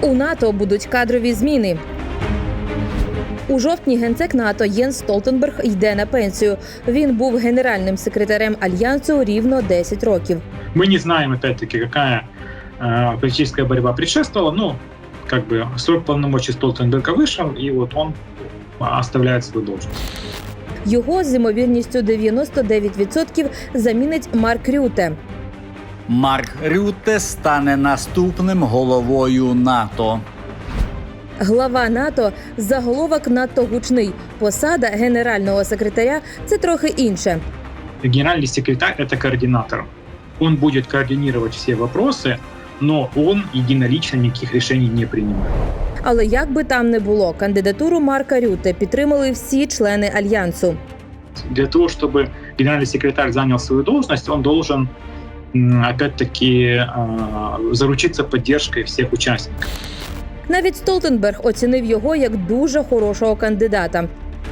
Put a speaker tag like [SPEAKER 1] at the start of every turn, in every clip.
[SPEAKER 1] У НАТО будуть кадрові зміни. У жовтні генсек НАТО Єнс Столтенберг йде на пенсію. Він був генеральним секретарем Альянсу рівно 10 років.
[SPEAKER 2] Мы не знаем, опять-таки, какая политическая борьба предшествовала. Срок полномочий Столтенберга вышел, и вот он оставляет свою должность.
[SPEAKER 1] Його з ймовірністю 99% замінить Марк Рюте.
[SPEAKER 3] Марк Рюте стане наступним головою НАТО.
[SPEAKER 1] Глава НАТО – заголовок надто гучний. Посада генерального секретаря – це трохи інше.
[SPEAKER 2] Генеральный секретарь – это координатор. Он будет координировать все вопросы, но он единолично никаких решений не принимает.
[SPEAKER 1] Але як би там не було, кандидатуру Марка Рюте підтримали всі члени Альянсу.
[SPEAKER 2] Для того, чтобы генеральный секретарь занял свою должность, он должен, опять-таки, заручиться поддержкой всех участников.
[SPEAKER 1] Навіть Столтенберг оцінив його як дуже хорошого кандидата.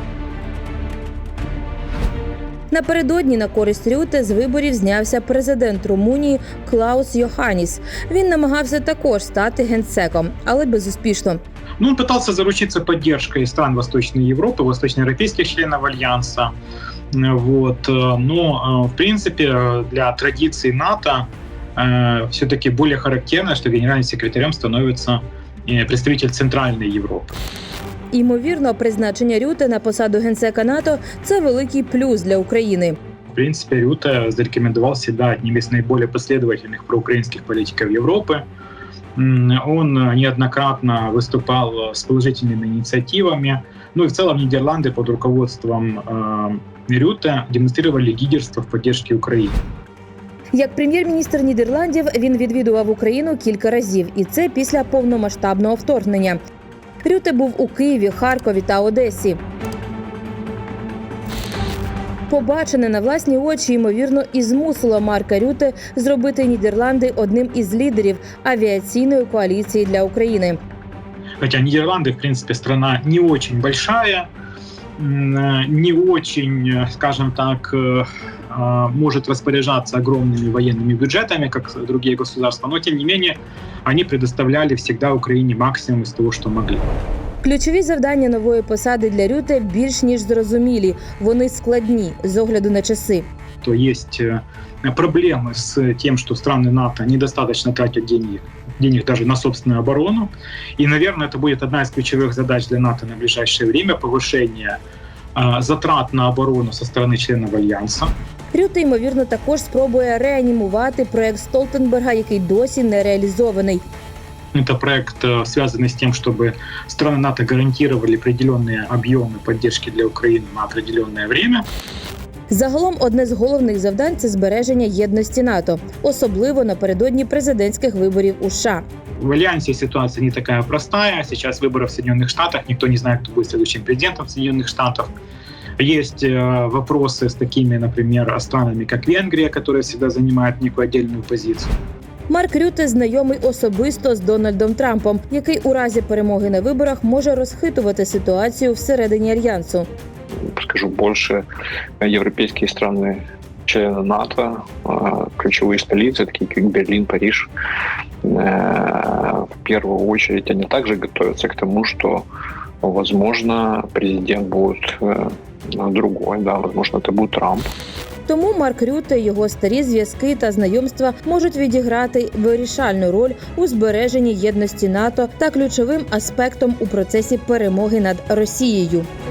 [SPEAKER 1] Напередодні на користь Рюте з виборів знявся президент Румунії Клаус Йоханіс. Він намагався також стати генсеком, але безуспішно.
[SPEAKER 2] Он пытался заручиться поддержкой стран Восточной Европы, восточноевропейских членов Альянса. Но, в принципе, для традиций НАТО все-таки более характерно, что генеральным секретарем становится представитель Центральной Европы.
[SPEAKER 1] Ймовірно, призначення Рюте на посаду генсека НАТО – це великий плюс для України.
[SPEAKER 2] В принципе, Рюте зарекомендовал себя одним из наиболее последовательных проукраинских политиков Европы. Он неоднократно выступал с положительными инициативами. И в целом Нидерланды под руководством Рюте демонстрировали лидерство в поддержке Украины.
[SPEAKER 1] Як прем'єр-міністр Нідерландів він відвідував Україну кілька разів, і це після повномасштабного вторгнення. Рюте був у Києві, Харкові та Одесі. Побачене на власні очі, ймовірно, і змусило Марка Рюте зробити Нідерланди одним із лідерів авіаційної коаліції для України.
[SPEAKER 2] Хотя Нидерланды, в принципе, страна не очень большая, не очень, скажем так, может распоряжаться огромными военными бюджетами, как другие государства, но, тем не менее, они предоставляли всегда Украине максимум из того, что могли.
[SPEAKER 1] Ключові завдання нової посади для Рюте більш ніж зрозумілі. Вони складні з огляду на часи.
[SPEAKER 2] То есть проблемы с тем, что страны НАТО недостаточно тратят денег даже на собственную оборону. И, наверное, это будет одна из ключевых задач для НАТО на ближайшее время – повышение затрат на оборону со стороны членов Альянса.
[SPEAKER 1] Рюте, ймовірно, також спробує реанімувати проект Столтенберга, який досі не реалізований.
[SPEAKER 2] Это проект, связанный с тем, чтобы страны НАТО гарантировали определенные объемы поддержки для Украины на определенное время.
[SPEAKER 1] Загалом, одне з головних завдань – це збереження єдності НАТО, особливо напередодні президентських виборів у США.
[SPEAKER 2] В Альянсе ситуация не такая простая. Сейчас выборы в Соединенных Штатах. Никто не знает, кто будет следующим президентом Соединенных Штатов. Есть вопросы с такими, например, странами, как Венгрия, которая всегда занимает некую отдельную позицию.
[SPEAKER 1] Марк Рюте знайомий особисто з Дональдом Трампом, який у разі перемоги на виборах може розхитувати ситуацію всередині Альянсу.
[SPEAKER 4] Скажу больше, европейские страны, члены НАТО, ключевые столицы, такие как Берлин, Париж, в первую очередь они также готовятся к тому, что, возможно, президент будет другой, возможно, это будет Трамп.
[SPEAKER 1] Тому Марк Рюте, його старі зв'язки та знайомства можуть відіграти вирішальну роль у збереженні єдності НАТО та ключовим аспектом у процесі перемоги над Росією.